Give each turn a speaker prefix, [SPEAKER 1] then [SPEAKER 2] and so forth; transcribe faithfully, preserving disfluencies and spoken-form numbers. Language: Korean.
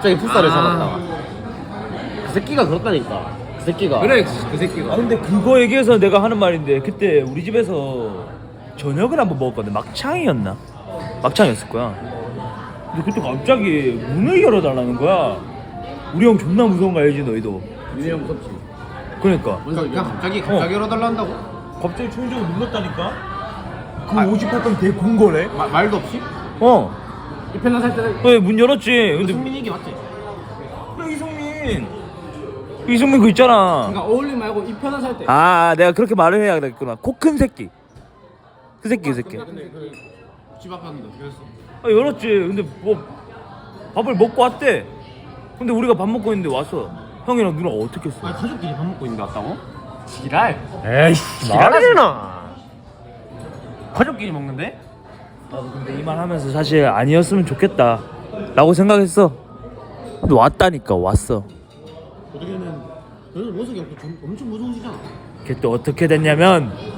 [SPEAKER 1] 갑자기 풋살을
[SPEAKER 2] 아.
[SPEAKER 1] 잡았다. 그 새끼가 그렇다니까. 그 새끼가.
[SPEAKER 2] 그래 그 새끼가.
[SPEAKER 3] 아 근데 그거 얘기해서 내가 하는 말인데 그때 우리 집에서 저녁을 한번 먹었거든. 막창이었나? 막창이었을 거야. 근데 그때 갑자기 문을 열어달라는 거야. 우리 형 존나 무서운 거 알지 너희도?
[SPEAKER 1] 민우 형 무섭지.
[SPEAKER 3] 그러니까
[SPEAKER 2] 뭔 소리야? 갑자기 갑자기 열어달라 한다고?
[SPEAKER 3] 갑자기 총적으로 눌렀다니까? 그
[SPEAKER 2] 아.
[SPEAKER 3] 오십팔 번 개군 거래?
[SPEAKER 2] 마, 말도 없이?
[SPEAKER 3] 어.
[SPEAKER 1] 이 편나 살 때는
[SPEAKER 3] 왜 문 열었지? 근데
[SPEAKER 1] 승민이 얘기 맞지?
[SPEAKER 3] 야, 이성민 이성민 그 있잖아.
[SPEAKER 1] 그러니까 어울림 말고 이 편나 살 때.
[SPEAKER 3] 아 내가 그렇게 말을 해야 되겠구나. 코 큰 새끼 그 새끼 그 새끼
[SPEAKER 2] 근데 그 집 앞에 왔는데 어떻게 했어?
[SPEAKER 3] 아 열었지. 근데 뭐 밥을 먹고 왔대. 근데 우리가 밥 먹고 있는데 왔어. 형이랑 누나 어떻게 했어?
[SPEAKER 1] 아니 가족끼리 밥 먹고 있는데 왔다고? 지랄.
[SPEAKER 3] 에이씨
[SPEAKER 1] 지랄하잖아. 가족끼리 먹는데?
[SPEAKER 3] 나도 근데 이 말 하면서 사실 아니었으면 좋겠다 라고 생각했어. 근데 왔다니까. 왔어.
[SPEAKER 1] 어떻게는 너는 원석이 형 엄청 무서우시잖아.
[SPEAKER 3] 그게 또 어떻게 됐냐면